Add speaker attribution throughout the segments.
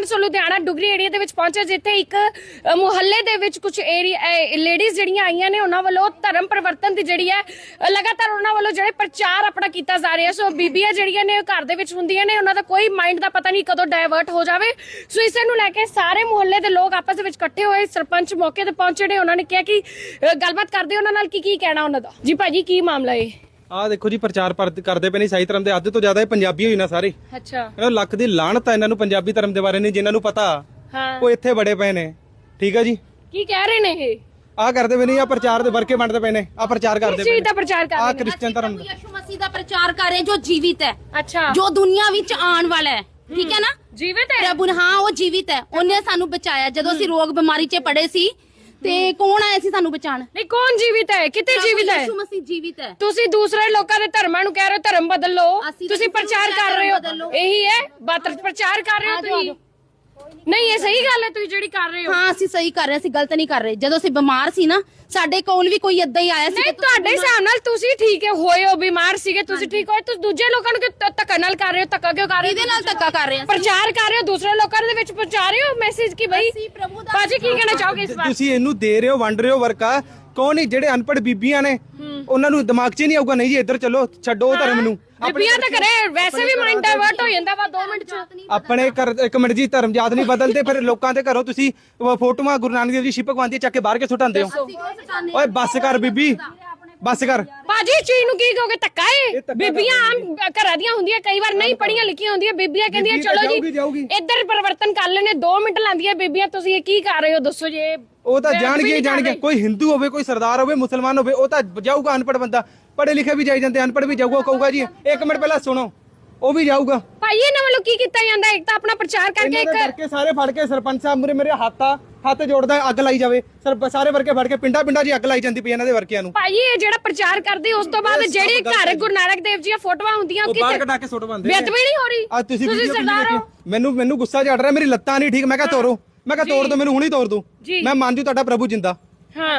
Speaker 1: ਸੋ Ludhiana Dugri area ਦੇ ਵਿੱਚ ਪਹੁੰਚੇ, ਜਿੱਥੇ ਇੱਕ ਮੁਹੱਲੇ ਦੇ ਵਿੱਚ ਕੁਝ ਲੇਡੀਜ਼ ਜਿਹੜੀਆਂ ਆਈਆਂ ਨੇ, ਉਹਨਾਂ ਵੱਲੋਂ ਧਰਮ ਪਰਿਵਰਤਨ ਦੀ ਜਿਹੜੀ ਹੈ ਲਗਾਤਾਰ ਉਹਨਾਂ ਵੱਲੋਂ ਜਿਹੜੇ ਪ੍ਰਚਾਰ ਆਪਣਾ ਕੀਤਾ ਜਾ ਰਿਹਾ। ਸੋ ਬੀਬੀਆਂ ਜਿਹੜੀਆਂ ਨੇ ਘਰ ਦੇ ਵਿੱਚ ਹੁੰਦੀਆਂ ਨੇ, ਉਹਨਾਂ ਦਾ ਕੋਈ ਮਾਈਂਡ ਦਾ ਪਤਾ ਨਹੀਂ ਕਦੋਂ ਡਾਇਵਰਟ ਹੋ ਜਾਵੇ। ਸੋ ਇਸੇ ਨੂੰ ਲੈ ਕੇ ਸਾਰੇ ਮੁਹੱਲੇ ਦੇ ਲੋਕ ਆਪਸ ਦੇ ਵਿੱਚ ਇਕੱਠੇ ਹੋਏ। ਸਰਪੰਚ ਮੌਕੇ ਤੇ ਪਹੁੰਚੇ ਨੇ, ਉਹਨਾਂ ਨੇ ਕਿਹਾ ਕਿ ਗੱਲਬਾਤ ਕਰਦੇ ਉਹਨਾਂ ਨਾਲ ਕੀ ਕਹਿਣਾ ਉਹਨਾਂ ਦਾ। ਜੀ ਭਾਜੀ ਕੀ ਮਾਮਲਾ ਹੈ?
Speaker 2: ਆ ਦੇਖੋ ਜੀ, ਪ੍ਰਚਾਰ ਕਰਦੇ ਪਏ ਨੇ ਸਹੀ ਧਰਮ ਦੇ। ਅੱਧ ਤੋਂ ਜ਼ਿਆਦਾ ਇਹ ਪੰਜਾਬੀ ਹੋਈ ਨਾ ਸਾਰੇ।
Speaker 1: ਅੱਛਾ,
Speaker 2: ਇਹ ਲੱਖ ਦੀ ਲਾਹਨਤ ਆ ਇਹਨਾਂ ਨੂੰ ਪੰਜਾਬੀ ਧਰਮ ਦੇ ਬਾਰੇ ਨਹੀਂ, ਜਿਨ੍ਹਾਂ ਨੂੰ ਪਤਾ
Speaker 1: ਹਾਂ
Speaker 2: ਉਹ ਇੱਥੇ ਬੜੇ ਪਏ ਨੇ। ਠੀਕ ਆ ਜੀ,
Speaker 1: ਕੀ ਕਹਿ ਰਹੇ ਨੇ ਇਹ?
Speaker 2: ਆ ਕਰਦੇ ਪਏ ਨੇ, ਆ ਪ੍ਰਚਾਰ ਦੇ ਵਰਕੇ ਵੰਡਦੇ ਪਏ ਨੇ, ਆ ਪ੍ਰਚਾਰ ਕਰਦੇ
Speaker 1: ਪਏ ਨੇ, ਪ੍ਰਚਾਰ ਕਰ ਰਹੇ
Speaker 2: ਨੇ। ਆ
Speaker 1: ਨੇ
Speaker 2: ਕ੍ਰਿਸਚੀਅਨ ਧਰਮ ਦਾ,
Speaker 3: ਯਿਸੂ ਮਸੀਹ ਦਾ ਪ੍ਰਚਾਰ ਕਰ ਰਹੇ ਜੋ ਜੀਵਿਤ ਹੈ।
Speaker 1: ਅੱਛਾ,
Speaker 3: ਜੋ ਦੁਨੀਆ ਵਿੱਚ ਆਉਣ ਵਾਲਾ ਹੈ। ਠੀਕ ਹੈ ਨਾ,
Speaker 1: ਜੀਵਿਤ ਹੈ
Speaker 3: ਪ੍ਰਭੂ। ਹਾਂ, ਉਹ ਜੀਵਿਤ ਹੈ। ਉਹਨੇ ਸਾਨੂੰ ਬਚਾਇਆ ਜਦੋਂ ਅਸੀਂ ਰੋਗ ਬਿਮਾਰੀ 'ਚ ਪੜੇ ਸੀ। ਤੇ ਕੌਣ ਆਇਆ ਸੀ ਸਾਨੂੰ ਬਚਾਉਣ?
Speaker 1: ਨਹੀਂ, ਕੌਣ ਜੀਵਿਤ ਹੈ? ਕਿਤੇ ਜੀਵਿਤ ਹੈ?
Speaker 3: ਯਿਸੂ ਮਸੀਹ ਜੀਵਿਤ ਹੈ।
Speaker 1: ਤੁਸੀਂ ਦੂਸਰੇ ਲੋਕਾਂ ਦੇ ਧਰਮਾਂ ਨੂੰ ਕਹਿ ਰਹੇ ਹੋ ਧਰਮ ਬਦਲ ਲਓ, ਤੁਸੀਂ ਪ੍ਰਚਾਰ ਕਰ ਰਹੇ ਹੋ, ਇਹੀ ਹੈ ਬਾਤ, ਪ੍ਰਚਾਰ ਕਰ ਰਹੇ ਹੋ ਤੁਸੀਂ। ਨਹੀਂ, ਇਹ ਸਹੀ ਗੱਲ ਹੈ ਤੁਸੀਂ ਜਿਹੜੀ ਕਰ ਰਹੇ ਹੋ।
Speaker 3: ਹਾਂ, ਅਸੀਂ ਸਹੀ ਕਰ ਰਹੇ, ਅਸੀਂ ਗਲਤ ਨਹੀਂ ਕਰ ਰਹੇ। ਜਦੋਂ ਅਸੀਂ ਬਿਮਾਰ ਸੀ ਨਾ, ਸਾਡੇ ਕੋਲ ਵੀ ਕੋਈ ਏਦਾਂ ਹੀ ਆਇਆ ਸੀ।
Speaker 1: ਨਹੀਂ, ਤੁਹਾਡੇ ਹਿਸਾਬ ਨਾਲ ਤੁਸੀਂ ਠੀਕ ਹੋਏ ਹੋ, ਬਿਮਾਰ ਸੀਗੇ ਤੁਸੀਂ, ਠੀਕ ਹੋਏ। ਤੁਸੀਂ ਦੂਜੇ ਲੋਕਾਂ ਨੂੰ ਕਿਉਂ ਧੱਕਾ ਨਾਲ ਕਰ ਰਹੇ ਹੋ? ਧੱਕਾ ਕਿਉਂ ਕਰ ਰਹੇ ਹੋ?
Speaker 3: ਇਹਦੇ ਨਾਲ ਧੱਕਾ ਕਰ ਰਹੇ ਹਾਂ,
Speaker 1: ਪ੍ਰਚਾਰ ਕਰ ਰਹੇ ਹੋ, ਦੂਸਰੇ ਲੋਕਾਂ ਦੇ ਵਿੱਚ ਪਹੁੰਚਾ ਰਹੇ ਹੋ ਮੈਸੇਜ ਕਿ ਬਈ ਬਾਜੀ ਕੀ ਕਹਿਣਾ ਚਾਹੋਗੇ ਇਸ ਵਾਰ?
Speaker 2: ਤੁਸੀਂ ਇਹਨੂੰ ਦੇ ਰਹੇ ਹੋ, ਵੰਡ ਰਹੇ ਹੋ ਵਰਕਾ। ਕੌਣ ਨਹੀਂ ਜਿਹੜੇ ਅਨਪੜ੍ਹ ਬੀਬੀਆਂ ਨੇ, ਉਹਨਾਂ ਨੂੰ ਦਿਮਾਗ 'ਚ ਨਹੀਂ ਆਊਗਾ ਨਹੀਂ ਜੀ ਇੱਧਰ ਚਲੋ, ਛੱਡੋ ਧਰਮ ਨੂੰ।
Speaker 1: ਬੀਬੀਆਂ ਤਾਂ ਕਰੇ ਵੈਸੇ ਵੀ ਮਾਈਂਡ ਡਾਇਵਰਟ ਹੋ ਜਾਂਦਾ ਵਾ 2 ਮਿੰਟ 'ਚ।
Speaker 2: ਆਪਣੇ ਘਰ ਇੱਕ ਮਿੰਟ ਜੀ, ਧਰਮ ਜਾਤ ਨਹੀਂ ਬਦਲਦੇ। ਫਿਰ ਲੋਕਾਂ ਦੇ ਘਰੋਂ ਤੁਸੀਂ ਫੋਟੋਆਂ ਗੁਰੂ ਨਾਨਕ ਦੇਵ ਜੀ ਸ਼ਿਪਕ ਵਾਂਦੀ ਚੱਕ ਕੇ ਬਾਹਰ ਕੇ ਸੁਟਾਉਂਦੇ ਹੋ। ਓਏ ਬੱਸ ਕਰ ਬੀਬੀ, ਬੱਸ ਕਰ।
Speaker 1: ਬਾਜੀ ਚੀਜ਼ ਨੂੰ ਕੀ ਕਹੋਗੇ? ਧੱਕਾ ਏ? ਬੀਬੀਆਂ ਆਮ ਘਰਾਂ ਦੀਆਂ ਹੁੰਦੀਆਂ, ਕਈ ਵਾਰ ਨਹੀਂ ਪੜੀਆਂ ਲਿਖੀਆਂ ਹੁੰਦੀਆਂ, ਬੀਬੀਆਂ ਕਹਿੰਦੀਆਂ ਚਲੋ ਜੀ ਇੱਧਰ ਪਰਿਵਰਤਨ ਕਰ ਲੈਣੇ, 2 ਮਿੰਟ ਲਾਂਦੀਆਂ ਬੀਬੀਆਂ। ਤੁਸੀਂ ਇਹ ਕੀ ਕਰ ਰਹੇ ਹੋ ਦੱਸੋ ਜੀ?
Speaker 2: ਉਹ ਤਾਂ ਜਾਣਗੇ ਕੋਈ ਹਿੰਦੂ ਹੋਵੇ, ਕੋਈ ਸਰਦਾਰ ਹੋਵੇ, ਮੁਸਲਮਾਨ ਹੋਵੇ, ਉਹ ਤਾਂ ਜਾਊਗਾ। ਅਨਪੜ੍ਹ ਬੰਦਾ, ਪੜ੍ਹੇ ਲਿਖੇ ਵੀ ਜਾਈ ਜਾਂਦੇ, ਅਨਪੜ੍ਹ ਵੀ ਜਾਊਗਾ। ਕਹੂਗਾ ਜੀ 1 ਮਿੰਟ ਪਹਿਲਾਂ ਸੁਣੋ, ਉਹ ਵੀ ਜਾਊਗਾ।
Speaker 1: ਭਾਈ ਇਹਨਾਂ ਵੱਲੋਂ ਕੀ ਕੀਤਾ ਜਾਂਦਾ? ਇੱਕ ਤਾਂ ਆਪਣਾ ਪ੍ਰਚਾਰ ਕਰਕੇ, ਇੱਕ
Speaker 2: ਸਾਰੇ ਫੜ ਕੇ ਸਰਪੰਚ ਸਾਹਿਬ ਮੂਹਰੇ ਮੇਰੇ ਹੱਥ ਜੋੜਦਾ, ਅੱਗ ਲਾਈ ਜਾਵੇ। ਸਾਰੇ ਵਰਕੇ ਫੜ ਕੇ ਪਿੰਡਾਂ 'ਚ ਅੱਗ ਲਾਈ ਜਾਂਦੀ ਪਈ ਇਹਨਾਂ ਦੇ ਵਰਕਿਆਂ ਨੂੰ।
Speaker 1: ਭਾਈ ਇਹ ਜਿਹੜਾ ਪ੍ਰਚਾਰ ਕਰਦੇ ਉਸ ਤੋਂ ਬਾਅਦ ਜਿਹੜੀ ਘਰ ਗੁਰੂ ਨਾਨਕ ਦੇਵ ਜੀ ਦੀਆਂ ਫੋਟੋਆਂ ਹੁੰਦੀਆਂ,
Speaker 2: ਉਹ ਬਾਹਰ ਕਢਾ ਕੇ ਸੁੱਟ ਬੰਦੇ।
Speaker 1: ਬੇਅਦਬੀ ਨਹੀਂ ਹੋ ਰਹੀ?
Speaker 2: ਤੁਸੀਂ ਸਰਦਾਰ ਹੋ। ਮੈਨੂੰ ਗੁੱਸਾ ਚੜ ਰਿਹਾ, ਮੇਰੀ ਲੱਤਾਂ ਨਹੀਂ ਠੀਕ। ਮੈਂ ਕਿਹਾ ਤੋਰੋ, ਮੈਂ ਕਿਹਾ ਤੋੜ ਦੋ, ਮੈਨੂੰ ਹੁਣੀ ਤੋੜ ਦੋ। ਮੈਂ ਮੰਨ ਜੂ ਤੁਹਾਡਾ ਪ੍ਰਭੂ ਜਿੰਦਾ।
Speaker 1: ਹਾਂ,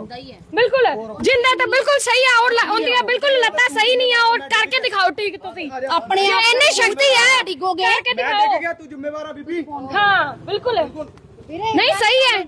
Speaker 1: ਬਿਲਕੁਲ ਜਿੰਦਾ ਤਾਂ ਬਿਲਕੁਲ ਸਹੀ ਆ, ਔਰ ਉਹਦੀਆਂ ਬਿਲਕੁਲ ਲੱਤਾਂ ਸਹੀ ਨਹੀਂ ਆ, ਔਰ ਕਰਕੇ ਦਿਖਾਓ ਠੀਕ ਤੁਸੀਂ
Speaker 3: ਆਪਣੇ ਆਪ।
Speaker 1: ਇੰਨੀ ਸ਼ਕਤੀ ਹੈ,
Speaker 3: ਡਿੱਗੋਗੇ
Speaker 1: ਕਰਕੇ ਦਿਖਾਓ।
Speaker 2: ਤੂੰ ਜ਼ਿੰਮੇਵਾਰ ਆ ਬੀਬੀ।
Speaker 1: ਹਾਂ ਬਿਲਕੁਲ ਨਹੀਂ ਸਹੀ ਹੈ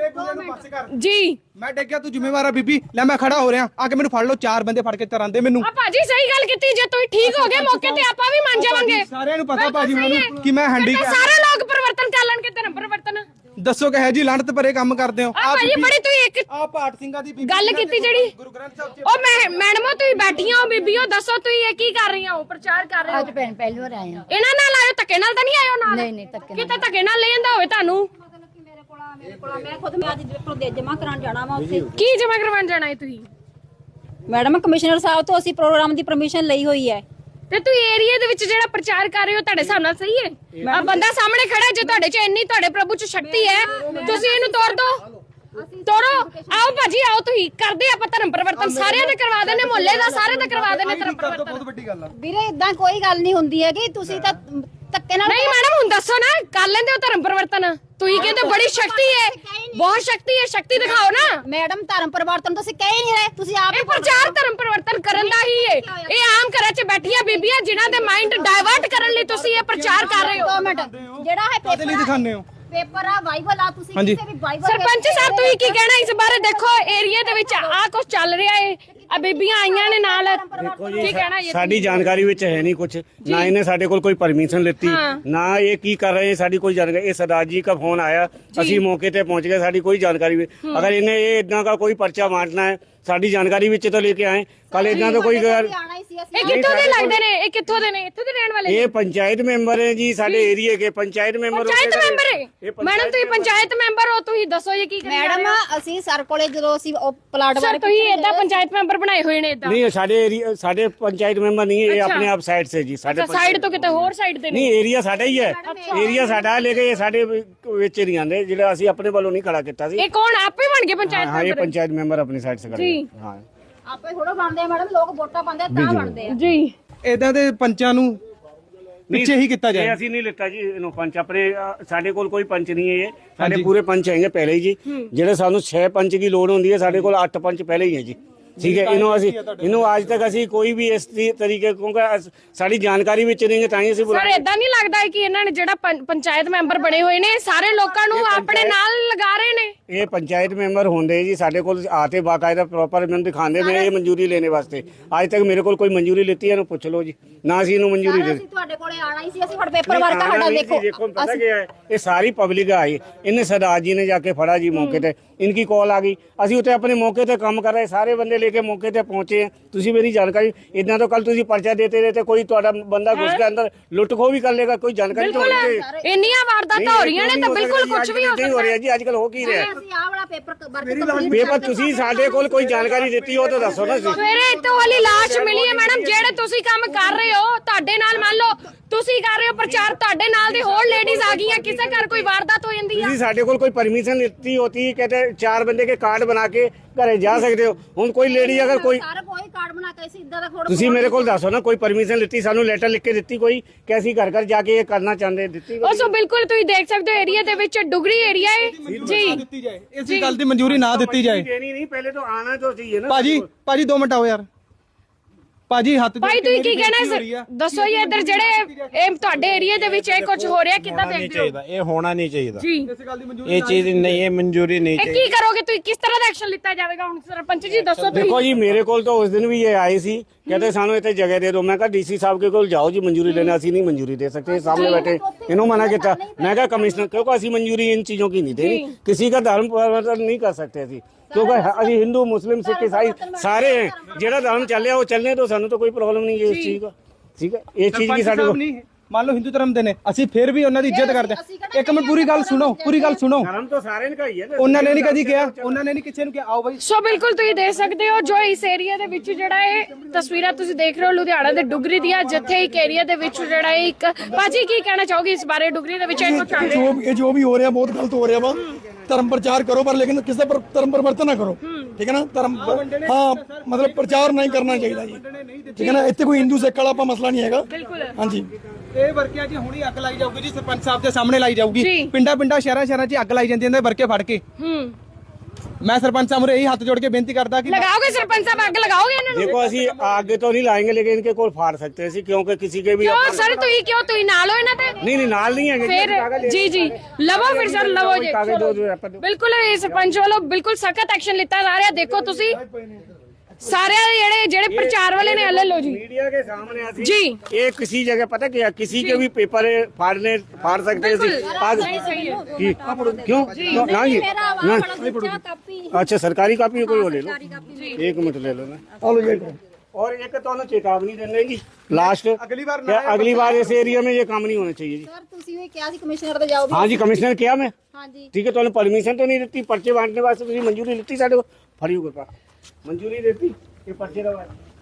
Speaker 1: ਜੀ।
Speaker 2: ਮੈਂ ਡਿੱਗਿਆ, ਤੂੰ ਜ਼ਿੰਮੇਵਾਰ ਆ ਬੀਬੀ। ਲੈ ਮੈਂ ਖੜਾ ਹੋ ਰਿਹਾ, ਆ ਕੇ ਮੈਨੂੰ ਫੜ ਲਓ। 4 ਬੰਦੇ ਫੜ ਕੇ ਤਰਾਂਦੇ ਮੈਨੂੰ।
Speaker 1: ਆ ਭਾਜੀ ਸਹੀ ਗੱਲ ਕੀਤੀ, ਜੇ ਤੁਸੀਂ ਠੀਕ ਹੋ ਗਏ ਮੌਕੇ ਤੇ ਆਪਾਂ ਵੀ ਮੰਨ ਜਾਵਾਂਗੇ।
Speaker 2: ਸਾਰਿਆਂ ਨੂੰ ਪਤਾ ਭਾਜੀ ਮੈਨੂੰ ਕਿ ਮੈਂ ਹੈਂਡੀ
Speaker 1: ਸਾਰੇ ਲੋਕ ਪਰਿਵਰਤਨ ਕਰ ਲੈਣਗੇ, ਧਰਮ ਪਰਿਵਰਤਨ।
Speaker 2: ਦੱਸੋ ਕਿ ਹੈ ਜੀ ਲਾਣਤ ਭਰੇ ਕੰਮ ਕਰਦੇ ਹੋ।
Speaker 1: ਆ ਭਾਜੀ ਬੜੀ ਤੁਸੀਂ ਇੱਕ
Speaker 2: ਪਾਠ ਸਿੰਘਾਂ ਦੀ
Speaker 1: ਗੱਲ ਕੀਤੀ ਜਿਹੜੀ
Speaker 2: ਗੁਰੂ ਗ੍ਰੰਥ ਸਾਹਿਬ ਚ।
Speaker 1: ਉਹ ਮੈਡਮੋ ਤੁਸੀਂ ਬੈਠੀਆਂ ਹੋ, ਬੀਬੀਓ ਦੱਸੋ ਤੁਸੀਂ ਇਹ ਕੀ ਕਰ ਰਹੀਆਂ ਹੋ? ਪ੍ਰਚਾਰ ਕਰ ਰਹੇ ਹੋ?
Speaker 4: ਅੱਜ ਪਹਿਲੀ ਵਾਰ ਆਏ ਆ।
Speaker 1: ਇਹਨਾਂ ਨਾਲ ਆਇਓ, ਧੱਕੇ ਨਾਲ ਤਾਂ ਨਹੀਂ ਆਇਓ ਨਾਲ?
Speaker 4: ਨਹੀਂ ਧੱਕੇ
Speaker 1: ਕਿਤੇ ਧੱਕੇ ਨਾਲ ਲੈ ਜਾਂਦਾ ਹੋਵੇ ਤੁਹਾਨੂੰ।
Speaker 5: ਮੈਂ ਖੁਦ ਮੈਂ ਅੱਜ ਪ੍ਰਦੇਸ਼ ਜਮਾ ਕਰਾਉਣ ਜਾਣਾ ਵਾ ਉੱਥੇ।
Speaker 1: ਕੀ ਜਮਾ ਕਰਵਾਉਣ ਜਾਣਾ ਹੈ ਤੁਸੀਂ?
Speaker 5: ਮੈਡਮ ਕਮਿਸ਼ਨਰ ਸਾਹਿਬ ਤੋਂ ਅਸੀਂ ਪ੍ਰੋਗਰਾਮ ਦੀ ਪਰਮਿਸ਼ਨ ਲਈ ਹੋਈ ਹੈ।
Speaker 1: ਤੇ ਤੁਸੀਂ ਏਰੀਆ ਦੇ ਵਿੱਚ ਜਿਹੜਾ ਪ੍ਰਚਾਰ ਕਰ ਰਹੇ ਹੋ, ਤੁਹਾਡੇ ਹਿਸਾਬ ਨਾਲ ਸਹੀ ਹੈ? ਆ ਬੰਦਾ ਸਾਹਮਣੇ ਖੜਾ, ਜੇ ਤੁਹਾਡੇ 'ਚ ਇੰਨੀ ਤੁਹਾਡੇ ਪ੍ਰਭੂ 'ਚ ਸ਼ਕਤੀ ਹੈ, ਤੁਸੀਂ ਇਹਨੂੰ ਤੋੜ ਦੋ, ਤੋੜੋ। ਆਓ ਭਾਜੀ ਆਓ, ਤੁਸੀਂ ਕਰਦੇ ਆਪਾਂ ਧਰਮ ਪਰਿਵਰਤਨ, ਸਾਰਿਆਂ ਦੇ ਕਰਵਾ ਦੇਣੇ, ਮੁਹੱਲੇ ਦਾ ਸਾਰੇ ਦਾ ਕਰਵਾ ਦੇਣੇ ਧਰਮ ਪਰਿਵਰਤਨ।
Speaker 2: ਬਹੁਤ ਵੱਡੀ ਗੱਲ ਆ
Speaker 5: ਵੀਰੇ ਇਦਾਂ ਕੋਈ ਗੱਲ ਨਹੀਂ ਹੁੰਦੀ ਹੈਗੀ, ਤੁਸੀਂ ਤਾਂ ਧੱਕੇ ਨਾਲ।
Speaker 1: ਨਹੀਂ ਮੈਡਮ ਹੁਣ ਦੱਸੋ ਨਾ, ਕਰ ਲੈਂਦੇ ਹੋ ਧਰਮ ਪਰਿਵਰਤਨ? ਤੁਸੀਂ ਕਹਿੰਦੇ ਬੜੀ ਸ਼ਕਤੀ ਹੈ, ਬਹੁਤ ਸ਼ਕਤੀ ਹੈ, ਸ਼ਕਤੀ ਦਿਖਾਓ ਨਾ।
Speaker 5: ਮੈਡਮ ਧਰਮ ਪਰਿਵਰਤਨ ਤੁਸੀਂ ਕਹਿ ਨਹੀਂ ਰਹੇ, ਤੁਸੀਂ ਆਪ
Speaker 1: ਇਹ ਪ੍ਰਚਾਰ ਧਰਮ ਪਰਿਵਰਤਨ ਕਰਨ ਦਾ ਹੀ ਹੈ। ਇਹ ਆਮ ਘਰਾਂ 'ਚ ਬੈਠੀਆਂ ਬੀਬੀਆਂ ਜਿਨ੍ਹਾਂ ਦੇ ਮਾਈਂਡ ਡਾਇਵਰਟ ਕਰਨ ਲਈ ਤੁਸੀਂ ਇਹ ਪ੍ਰਚਾਰ ਕਰ ਰਹੇ ਹੋ।
Speaker 5: 2 ਮਿੰਟ ਜਿਹੜਾ ਹੈ
Speaker 2: ਕਾਹਦੇ ਲਈ ਦਿਖਾਉਂਦੇ ਹੋ?
Speaker 5: ਪੇਪਰ ਆ ਬਾਈਬਲ ਆ, ਤੁਸੀਂ
Speaker 2: ਹਾਂਜੀ।
Speaker 5: ਕਿਸੇ ਵੀ ਬਾਈਬਲ
Speaker 1: ਸਰਪੰਚ ਸਾਹਿਬ ਤੁਸੀਂ ਕੀ ਕਹਿਣਾ ਇਸ ਬਾਰੇ? ਦੇਖੋ ਏਰੀਆ ਦੇ ਵਿੱਚ ਆ ਕੁਝ ਚੱਲ ਰਿਹਾ ਹੈ, ਆ ਬੀਬੀਆਂ ਆਈਆਂ ਨੇ ਨਾਲ, ਕੀ ਕਹਿਣਾ ਇਹ?
Speaker 6: ਸਾਡੀ ਜਾਣਕਾਰੀ ਵਿੱਚ ਹੈ ਨਹੀਂ ਕੁਝ, ਨਾ ਇਹਨੇ ਸਾਡੇ ਕੋਲ ਕੋਈ ਪਰਮਿਸ਼ਨ ਲਿੱਤੀ, ਨਾ ਇਹ ਕੀ ਕਰ ਰਹੇ ਸਾਡੀ ਕੋਈ ਜਾਣਕਾਰੀ। ਇਹ ਸਰਦਾਰ ਜੀ ਦਾ ਫੋਨ ਆਇਆ, ਅਸੀਂ ਮੌਕੇ ਤੇ ਪਹੁੰਚ ਗਏ, ਸਾਡੀ ਕੋਈ ਜਾਣਕਾਰੀ। ਅगर इन्हें ये इतना का कोई पर्चा बांटना है, ਸਾਡੀ ਜਾਣਕਾਰੀ ਵਿੱਚ तो लेके आए। कल इतना तो कोई
Speaker 5: ਆਣਾ ਹੀ ਸੀ ਅਸੀਂ।
Speaker 1: ਇਹ ਕਿੱਥੋਂ ਦੇ ਲੱਗਦੇ ਨੇ? ਇਹ ਕਿੱਥੋਂ ਦੇ ਨੇ? ਇੱਥੇ ਦੇ ਰਹਿਣ ਵਾਲੇ?
Speaker 6: ये पंचायत मेंबर है जी, साडे एरिया के पंचायत मेंबर।
Speaker 1: ਪੰਚਾਇਤ ਮੈਂਬਰ ਹੈ ਮੈਡਮ, ਤੁਸੀਂ ਪੰਚਾਇਤ ਮੈਂਬਰ ਹੋ, ਤੁਸੀਂ ਦੱਸੋ ਇਹ ਕੀ ਕਰਨਾ?
Speaker 5: ਮੈਡਮ ਅਸੀਂ ਸਰ ਕੋਲੇ ਜਦੋਂ ਅਸੀਂ ਉਹ ਪਲਾਟ
Speaker 1: ਸਰ ਤੁਸੀਂ ਏਦਾਂ ਪੰਚਾਇਤ ਮੈਂਬਰ ਬਣਾਏ ਹੋਏ ਨੇ ਏਦਾਂ?
Speaker 6: नहीं साडे एरिया, साडे पंचायत मेंबर नहीं है, ये अपने आप साइड से जी। साडे
Speaker 1: ਸਾਈਡ ਤੋਂ ਕਿਤੇ ਹੋਰ ਸਾਈਡ ਦੇ ਨੇ?
Speaker 6: नहीं एरिया साडा ही है, एरिया साडा लेके ये साडे ਵਿੱਚ ਨਹੀਂ ਆਂਦੇ, ਜਿਹੜਾ ਅਸੀਂ ਆਪਣੇ ਵੱਲੋਂ ਨਹੀਂ ਖੜਾ ਕੀਤਾ ਸੀ।
Speaker 1: ਇਹ ਕੌਣ ਆਪੇ ਬਣ ਗਏ ਪੰਚਾਇਤ
Speaker 6: हाँ ये
Speaker 1: ਮੈਂਬਰ?
Speaker 6: पंचायत मेंबर अपनी साइड से खड़े हैं। हाँ
Speaker 5: ਆਪੇ ਥੋੜਾ ਬਣਦੇ ਆ ਮੈਡਮ, ਲੋਕ ਵੋਟਾਂ ਪਾਉਂਦੇ ਆ ਤਾਂ ਬਣਦੇ ਆ
Speaker 1: ਜੀ।
Speaker 2: ਇਦਾਂ ਦੇ ਪੰਚਾਂ ਨੂੰ ਪਿੱਛੇ ਹੀ ਕੀਤਾ
Speaker 6: ਇਹ
Speaker 2: ਜਾਏ।
Speaker 6: ਅਸੀਂ ਨਹੀਂ ਲਿੱਤਾ ਜੀ ਇਹਨੂੰ ਪੰਚ ਆਪਣੇ। ਸਾਡੇ ਕੋਲ ਕੋਈ ਪੰਚ ਨਹੀਂ ਹੈ, ਇਹ ਸਾਡੇ ਪੂਰੇ ਪੰਚ ਹੈਗੇ ਪਹਿਲੇ ਹੀ ਜੀ। ਜਿਹੜੇ ਸਾਨੂੰ 6 ਪੰਚ ਦੀ ਲੋੜ ਹੁੰਦੀ ਹੈ, ਸਾਡੇ ਕੋਲ 8 ਪੰਚ ਪਹਿਲੇ ਹੀ ਹੈ ਜੀ। ਠੀਕ ਹੈ ਇਹਨੂੰ ਅੱਜ ਤੱਕ ਅਸੀਂ ਕੋਈ ਵੀ ਇਸ ਤਰੀਕੇ ਕਿਉਂਕਿ ਸਾਡੀ ਜਾਣਕਾਰੀ ਵਿੱਚ ਨਹੀਂ ਤਾਂ ਹੀ ਅਸੀਂ
Speaker 1: ਸਰ ਇਦਾਂ ਨਹੀਂ ਲੱਗਦਾ ਹੈ ਕਿ ਇਹਨਾਂ ਨੇ ਜਿਹੜਾ ਪੰਚਾਇਤ ਮੈਂਬਰ ਬਣੇ ਹੋਏ ਨੇ ਸਾਰੇ ਲੋਕਾਂ ਨੂੰ ਆਪਣੇ ਨਾਲ ਲਗਾ ਰਹੇ ਨੇ?
Speaker 6: ਇਹ ਪੰਚਾਇਤ ਮੈਂਬਰ ਹੁੰਦੇ ਜੀ ਸਾਡੇ ਕੋਲ ਆਤੇ ਬਾਕਾਇਦਾ ਪ੍ਰੋਪਰ ਮੈਨੂੰ ਦਿਖਾਉਂਦੇ ਮੈਂ ਇਹ ਮਨਜ਼ੂਰੀ ਲੈਣੇ ਵਾਸਤੇ ਅੱਜ ਤੱਕ ਮੇਰੇ ਕੋਲ ਕੋਈ ਮਨਜ਼ੂਰੀ ਲਿੱਤੀ ਇਹਨੂੰ ਪੁੱਛ ਲਓ ਜੀ ਨਾ ਅਸੀਂ ਇਹਨੂੰ ਮਨਜ਼ੂਰੀ ਦੇ
Speaker 5: ਅਸੀਂ ਤੁਹਾਡੇ ਕੋਲੇ ਆਣਾ ਹੀ ਸੀ ਅਸੀਂ ਤੁਹਾਡੇ ਪੇਪਰ ਵਰਕ ਸਾਡਾ
Speaker 6: देखो पता क्या है ये सारी पब्लिक आई इन्हें सरदार जी ने जाके फड़ा जी मौके ते इनकी कॉल आ गई ਅਸੀਂ ਉੱਤੇ ਆਪਣੇ ਮੌਕੇ ਤੇ ਕੰਮ ਕਰ ਰਹੇ ਸਾਰੇ ਬੰਦੇ ਲੈ ਕੇ ਮੌਕੇ ਤੇ ਪਹੁੰਚੇ ਆ ਤੁਸੀਂ ਮੇਰੀ ਜਾਣਕਾਰੀ ਇਦਾਂ ਤਾਂ ਕੱਲ ਤੁਸੀਂ ਪਰਚਾ ਦੇਤੇ ਰਹੇ ਤੇ ਕੋਈ ਤੁਹਾਡਾ ਬੰਦਾ ਘੁਸ ਕੇ ਅੰਦਰ ਲੁੱਟ ਖੋ ਵੀ ਕਰ ਲੇਗਾ ਕੋਈ ਜਾਣਕਾਰੀ ਤਾਂ ਹੋਣੀ ਚਾਹੀਦੀ
Speaker 1: ਇੰਨੀਆਂ ਵਾਰਦਾਤਾਂ ਹੋ ਰਹੀਆਂ ਨੇ ਤਾਂ ਬਿਲਕੁਲ ਕੁਝ ਵੀ ਹੋ
Speaker 6: ਨਹੀਂ ਹੋ ਰਿਹਾ ਜੀ ਅੱਜ ਕੱਲ ਹੋ ਕੀ ਰਿਹਾ
Speaker 5: ਅਸੀਂ ਆਹ ਵਾਲਾ ਪੇਪਰ
Speaker 6: ਪੇਪਰ ਤੁਸੀਂ ਸਾਡੇ ਕੋਲ ਕੋਈ ਜਾਣਕਾਰੀ ਦਿੱਤੀ ਉਹ ਤਾਂ ਦੱਸੋ ਨਾ ਜੀ
Speaker 1: ਸਵੇਰੇ ਇੱਥੋਂ ਵਾਲੀ ਲਾਸ਼ ਮਿਲੀ ਹੈ ਮੈਡਮ ਜਿਹੜੇ ਤੁਸੀਂ ਕੰਮ ਕਰ ਰਹੇ ਹੋ ਤੁਹਾਡੇ ਨਾਲ ਮੰਨ ਲਓ ਤੁਸੀਂ ਕਰ ਰਹੇ ਹੋ ਪ੍ਰਚਾਰ ਤੁਹਾਡੇ ਨਾਲ ਦੀ ਹੋਰ ਲੇਡੀਜ਼ ਆ ਗਈਆਂ ਕਿਸੇ ਘਰ ਕੋਈ ਵਾਰਦਾਤ ਹੋ ਜਾਂਦੀ ਆ
Speaker 6: ਤੁਸੀਂ ਸਾਡੇ ਕੋਲ ਕੋਈ परमिशन लिखती होती कहते 4 बंदे के कार्ड बना के घरे जा सकते हो ਹੁਣ ਕੋਈ ਲੇਡੀ ਅਗਰ ਕੋਈ
Speaker 5: ਸਾਰਾ ਕੋਈ ਕਾਰਡ ਬਣਾ ਕੇ ਅਸੀਂ ਇਦਾਂ ਦਾ ਥੋੜਾ
Speaker 6: ਤੁਸੀਂ ਮੇਰੇ ਕੋਲ ਦੱਸੋ ਨਾ ਕੋਈ ਪਰਮਿਸ਼ਨ ਲਿੱਤੀ ਸਾਨੂੰ ਲੈਟਰ ਲਿਖ ਕੇ ਦਿੱਤੀ ਕੋਈ ਕਿ ਅਸੀਂ ਘਰ ਘਰ ਜਾ ਕੇ ਇਹ ਕਰਨਾ ਚਾਹੁੰਦੇ ਦਿੱਤੀ
Speaker 1: ਉਹ ਸੋ ਬਿਲਕੁਲ ਤੁਸੀਂ ਦੇਖ ਸਕਦੇ ਹੋ ਏਰੀਆ ਦੇ ਵਿੱਚ ਡੁਗਰੀ ਏਰੀਆ ਹੈ ਜੀ
Speaker 2: ਦਿੱਤੀ ਜਾਏ ਇਸੇ ਗੱਲ ਦੀ ਮਨਜ਼ੂਰੀ ਨਾ ਦਿੱਤੀ ਜਾਏ
Speaker 6: ਦੇਣੀ ਨਹੀਂ ਪਹਿਲੇ ਤਾਂ ਆਣਾ ਤਾਂ चाहिए ना
Speaker 2: ਭਾਜੀ 2 ਮਿੰਟ ਆਓ ਯਾਰ ਭਾਜੀ ਹੱਥ
Speaker 1: ਭਾਈ ਤੁਸੀਂ ਕੀ ਕਹਿਣਾ ਹੈ ਦੱਸੋ ਜੀ ਇੱਧਰ ਜਿਹੜੇ ਇਹ ਤੁਹਾਡੇ ਏਰੀਆ ਦੇ ਵਿੱਚ ਇਹ ਕੁਝ ਹੋ ਰਿਹਾ ਕਿੱਦਾਂ ਦੇਖਦੇ ਹੋ?
Speaker 4: ਇਹ ਹੋਣਾ ਨਹੀਂ ਚਾਹੀਦਾ
Speaker 1: ਜੀ
Speaker 4: ਇਹ ਚੀਜ਼ ਨਹੀਂ ਇਹ ਮਨਜ਼ੂਰੀ ਨਹੀਂ
Speaker 1: ਇਹ ਕੀ ਕਰੋਗੇ ਤੁਸੀਂ ਕਿਸ ਤਰ੍ਹਾਂ ਦਾ ਐਕਸ਼ਨ ਲਿੱਤਾ ਜਾਵੇਗਾ ਹੁਣ ਸਰਪੰਚ ਜੀ ਦੱਸੋ ਤੁਸੀਂ
Speaker 6: देखो जी मेरे को तो उस दिन भी ये आए सी कहते सानू इतने जगह दे दो मैं कहा डीसी साहब के कोल जाओ जी मंजूरी लेने असि नहीं मंजूरी दे सकते सामने बैठे इन्होंने मना किया मैं कहा कमिश्नर क्योंकि असि मंजूरी इन चीजों की नहीं देनी किसी का धर्म परिवर्तन नहीं कर सकते असि क्योंकि अभी हिंदू मुस्लिम सिख ईसाई सारे हैं जेड़ा धर्म चल वो चलने तो सानू तो कोई प्रॉब्लम नहीं है इस चीज का ठीक है ये चीज की साडे को
Speaker 2: ਮੰਨ ਲਓ ਹਿੰਦੂ ਧਰਮ ਦੇ ਨੇ ਅਸੀਂ ਫਿਰ ਵੀ ਉਹਨਾਂ ਦੀ ਇੱਜ਼ਤ ਕਰਦੇ ਹਾਂ ਇੱਕ ਮਿੰਟ ਪੂਰੀ ਗੱਲ ਸੁਣੋ
Speaker 6: धर्म तो सारे का ही है ना
Speaker 2: ਉਹਨਾਂ ਨੇ ਨਹੀਂ ਕਦੀ ਕਿਹਾ ਉਹਨਾਂ ਨੇ ਨਹੀਂ ਕਿਸੇ ਨੂੰ ਕਿਹਾ ਆਓ ਬਾਈ
Speaker 1: ਸੋ ਬਿਲਕੁਲ ਤੁਸੀਂ ਦੇਖ ਸਕਦੇ ਹੋ ਜੋ ਇਸ ਏਰੀਆ ਦੇ ਵਿੱਚ ਜਿਹੜਾ ਇਹ ਤਸਵੀਰਾਂ ਤੁਸੀਂ ਦੇਖ ਰਹੇ ਹੋ ਲੁਧਿਆਣਾ ਦੇ ਡੁਗਰੀ ਦੀਆਂ ਜਿੱਥੇ ਇੱਕ ਏਰੀਆ ਦੇ ਵਿੱਚ ਜਿਹੜਾ ਇਹ ਇੱਕ ਬਾਜੀ ਕੀ ਕਹਿਣਾ ਚਾਹੋਗੇ ਇਸ ਬਾਰੇ ਡੁਗਰੀ ਦੇ ਵਿੱਚ ਇਹ ਕੁਝ ਚੱਲ ਰਿਹਾ
Speaker 7: जो भी हो रहा है बहुत गलत हो रहा है धर्म प्रचार करो पर लेकिन किसी पर धर्म परिवर्तन ना करो ठीक है ना धर्म हाँ मतलब प्रचार नहीं करना चाहिए जी ठीक है ना इतने कोई हिंदू सिख वाला मसला नहीं है हाँ जी
Speaker 2: ਇਹ ਵਰਕਿਆਂ 'ਚ ਹੁਣੀ ਅੱਗ ਲਾਈ ਜਾਊਗੀ ਜੀ ਸਰਪੰਚ ਸਾਹਿਬ ਦੇ ਸਾਹਮਣੇ ਲਾਈ ਜਾਊਗੀ
Speaker 1: ਜੀ।
Speaker 2: ਪਿੰਡਾਂ ਸ਼ਹਿਰਾਂ 'ਚ ਅੱਗ ਲਾਈ ਜਾਂਦੀ ਇਹਨਾਂ ਦੇ ਵਰਕੇ ਫੜ ਕੇ ਮੈਂ ਸਰਪੰਚ ਸਾਹਿਬ ਨੂੰ ਇਹੀ ਹੱਥ ਜੋੜ ਕੇ ਬੇਨਤੀ ਕਰਦਾ ਕਿ
Speaker 1: लगाओगे सरपंच साहब ਅੱਗ लगाओगे ਇਹਨਾਂ ਨੂੰ
Speaker 6: देखो असि आगे तो नहीं लाएंगे लेकिन इनके कोल फाड़ सकते हैं क्योंकि किसी के भी
Speaker 1: ਕਿਉਂ ਸਰ ਤੁਸੀਂ ਨਾਲ ਹੋ ਇਹਨਾਂ ਤੇ
Speaker 6: नहीं नाल नहीं है
Speaker 1: ਫਿਰ ਜੀ ਜੀ ਲਵੋ ਫਿਰ ਸਰ ਲਵੋ ਜੀ
Speaker 6: कागज दो जो अपन
Speaker 1: ਬਿਲਕੁਲ ਇਹ ਸਰਪੰਚ ਵੱਲੋਂ ਬਿਲਕੁਲ ਸਖਤ ਐਕਸ਼ਨ ਲਿੱਤਾ ਜਾ ਰਿਹਾ ਦੇਖੋ ਤੁਸੀਂ ਸਾਰੇ ਜਿਹੜੇ ਪ੍ਰਚਾਰ ਵਾਲੇ ਨੇ ਲੈ ਲਓ ਜੀ
Speaker 6: मीडिया के सामने आती
Speaker 1: जी।
Speaker 6: ये किसी जगह पता क्या किसी के भी पेपर फाड़ सकते हैं आज क्यों ना जी ना अच्छा सरकारी कापी कोई वो ले लो 1 मिनट ले लो ना और एक तो ना चेतावनी देने की लास्ट अगली बार इस एरिया में ये काम नहीं होना चाहिए जी
Speaker 5: ਸਰ ਤੁਸੀਂ ਵੀ ਕਿਹਾ ਸੀ ਕਮਿਸ਼ਨਰ ਤੇ ਜਾਓ
Speaker 6: हाँ जी कमिश्नर किया मैं
Speaker 5: हाँ जी
Speaker 6: ठीक है तो परमिशन तो नहीं देती पर्चे बांटने वास्ते तुझे मंजूरी लेती साढ़े को फड़ी को मंजूरी देती ये पर्चे का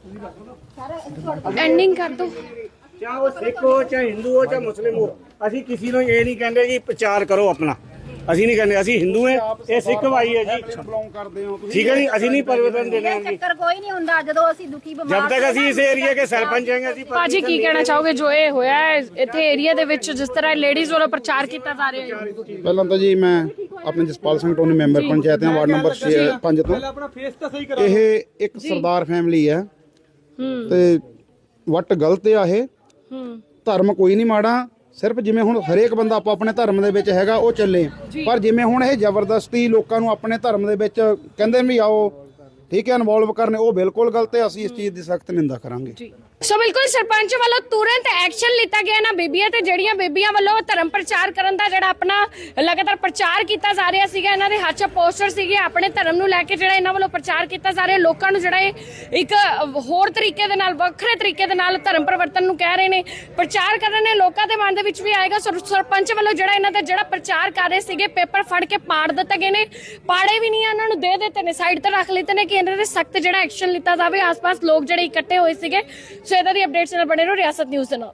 Speaker 1: ਐਂਡਿੰਗ ਕਰ ਦੋ
Speaker 6: चाहे वो सिख हो चाहे हिंदू हो चाहे मुस्लिम हो ਅਸੀਂ ਕਿਸੇ ਨੂੰ ਇਹ ਨਹੀਂ ਕਹਿੰਦੇ ਜੀ ਪ੍ਰਚਾਰ ਕਰੋ ਆਪਣਾ ਅਸੀਂ ਨਹੀਂ ਕਹਿੰਦੇ ਅਸੀਂ ਹਿੰਦੂ ਹਾਂ ਇਹ ਸਿੱਖ ਭਾਈ ਹੈ ਜੀ ਬਿਲੋਂਗ ਕਰਦੇ ਹੋ ਠੀਕ ਹੈ ਜੀ ਅਸੀਂ ਨਹੀਂ ਪਰਿਵਰਤਨ ਦੇਣਾ
Speaker 5: ਇਹ ਚੱਕਰ ਕੋਈ ਨਹੀਂ ਹੁੰਦਾ ਜਦੋਂ ਅਸੀਂ ਦੁਖੀ ਬਿਮਾਰ
Speaker 6: ਜਦ ਤੱਕ ਅਸੀਂ ਇਸ ਏਰੀਆ ਦੇ ਸਰਪੰਚ ਹੈਗੇ ਅਸੀਂ
Speaker 1: ਭਾਜੀ ਕੀ ਕਹਿਣਾ ਚਾਹੋਗੇ ਜੋ ਇਹ ਹੋਇਆ ਹੈ ਇੱਥੇ ਏਰੀਆ ਦੇ ਵਿੱਚ ਜਿਸ ਤਰ੍ਹਾਂ ਲੇਡੀਜ਼ ਵੱਲੋਂ ਪ੍ਰਚਾਰ ਕੀਤਾ ਜਾ ਰਿਹਾ ਹੈ
Speaker 8: ਪਹਿਲਾਂ ਤਾਂ ਜੀ ਮੈਂ ਆਪਣੇ ਜਸਪਾਲ ਸਿੰਘ ਟੋਨੀ ਮੈਂਬਰ ਪੰਚਾਇਤ ਹਾਂ ਵਾਰਡ ਨੰਬਰ 5 ਤੋਂ
Speaker 2: ਆਪਣਾ ਫੇਸ ਤਾਂ ਸਹੀ ਕਰੋ
Speaker 8: ਇਹ ਇੱਕ ਸਰਦਾਰ ਫੈਮਿਲੀ ਹੈ ਤੇ ਵੱਟ ਗਲਤ ਆ ਇਹ ਧਰਮ ਕੋਈ ਨਹੀਂ ਮਾੜਾ ਸਿਰਫ ਜਿਵੇਂ ਹੁਣ ਹਰੇਕ ਬੰਦਾ ਆਪੋ ਆਪਣੇ ਧਰਮ ਦੇ ਵਿੱਚ ਹੈਗਾ ਉਹ ਚੱਲੇ ਪਰ ਜਿਵੇਂ ਹੁਣ ਇਹ ਜ਼ਬਰਦਸਤੀ ਲੋਕਾਂ ਨੂੰ ਆਪਣੇ ਧਰਮ ਦੇ ਵਿੱਚ ਕਹਿੰਦੇ ਵੀ ਆਓ ਠੀਕ ਹੈ ਇਨਵੋਲਵ ਕਰਨੇ ਉਹ ਬਿਲਕੁਲ ਗਲਤ ਹੈ ਅਸੀਂ ਇਸ ਚੀਜ਼ ਦੀ ਸਖਤ ਨਿੰਦਾ ਕਰਾਂਗੇ
Speaker 1: ਸੋ ਬਿਲਕੁਲ ਸਰਪੰਚ ਵੱਲੋਂ ਤੁਰੰਤ ਐਕਸ਼ਨ ਲਿੱਤਾ ਗਿਆ ਨਾ ਬੀਬੀਆਂ ਤੇ ਜਿਹੜੀਆਂ ਬੀਬੀਆਂ ਵੱਲੋਂ ਧਰਮ ਪ੍ਰਚਾਰ ਕਰਨ ਦਾ ਜਿਹੜਾ ਆਪਣਾ ਲਗਾਤਾਰ ਪ੍ਰਚਾਰ ਕੀਤਾ ਜਾ ਰਿਹਾ ਸੀਗਾ ਇਹਨਾਂ ਦੇ ਹੱਥ 'ਚ ਪੋਸਟਰ ਸੀਗੇ ਆਪਣੇ ਧਰਮ ਨੂੰ ਲੈ ਕੇ ਜਿਹੜਾ ਇਹਨਾਂ ਵੱਲੋਂ ਪ੍ਰਚਾਰ ਕੀਤਾ ਜਾ ਰਿਹਾ ਲੋਕਾਂ ਨੂੰ ਜਿਹੜਾ ਇਹ ਇੱਕ ਹੋਰ ਤਰੀਕੇ ਦੇ ਨਾਲ ਵੱਖਰੇ ਤਰੀਕੇ ਦੇ ਨਾਲ ਧਰਮ ਪਰਿਵਰਤਨ ਨੂੰ ਕਹਿ ਰਹੇ ਨੇ ਪ੍ਰਚਾਰ ਕਰ ਰਹੇ ਨੇ ਲੋਕਾਂ ਦੇ ਮਨ ਦੇ ਵਿੱਚ ਵੀ ਆਏਗਾ ਸਰਪੰਚ ਵੱਲੋਂ ਜਿਹੜਾ ਇਹਨਾਂ ਦਾ ਜਿਹੜਾ ਪ੍ਰਚਾਰ ਕਰ ਰਹੇ ਸੀਗੇ ਪੇਪਰ ਫੜ ਕੇ ਪਾੜ ਦਿੱਤੇ ਗਏ ਨੇ ਪਾੜੇ ਵੀ ਨਹੀਂ ਇਹਨਾਂ ਨੂੰ ਦੇ ਦਿੱਤੇ ਨੇ ਸਾਈਡ ਤੇ ਰੱਖ ਲਿੱਤੇ ਨੇ ਕਿ ਇਹਨਾਂ ਦੇ ਸਖਤ ਜਿਹੜਾ ਐਕਸ਼ਨ ਲਿੱਤਾ ਜਾਵੇ ਆਸ-ਪਾਸ ਲੋਕ ਜਿਹੜੇ ਇਕੱਠੇ ਹੋਏ ਸੀਗੇ ਸੋ ਇਹਦਾ ਦੀ ਅਪਡੇਟਸ ਨਾਲ ਬਣੇ ਰਹੋ ਰਿਆਸਤ ਨਿਊਜ਼ ਦੇ ਨਾਲ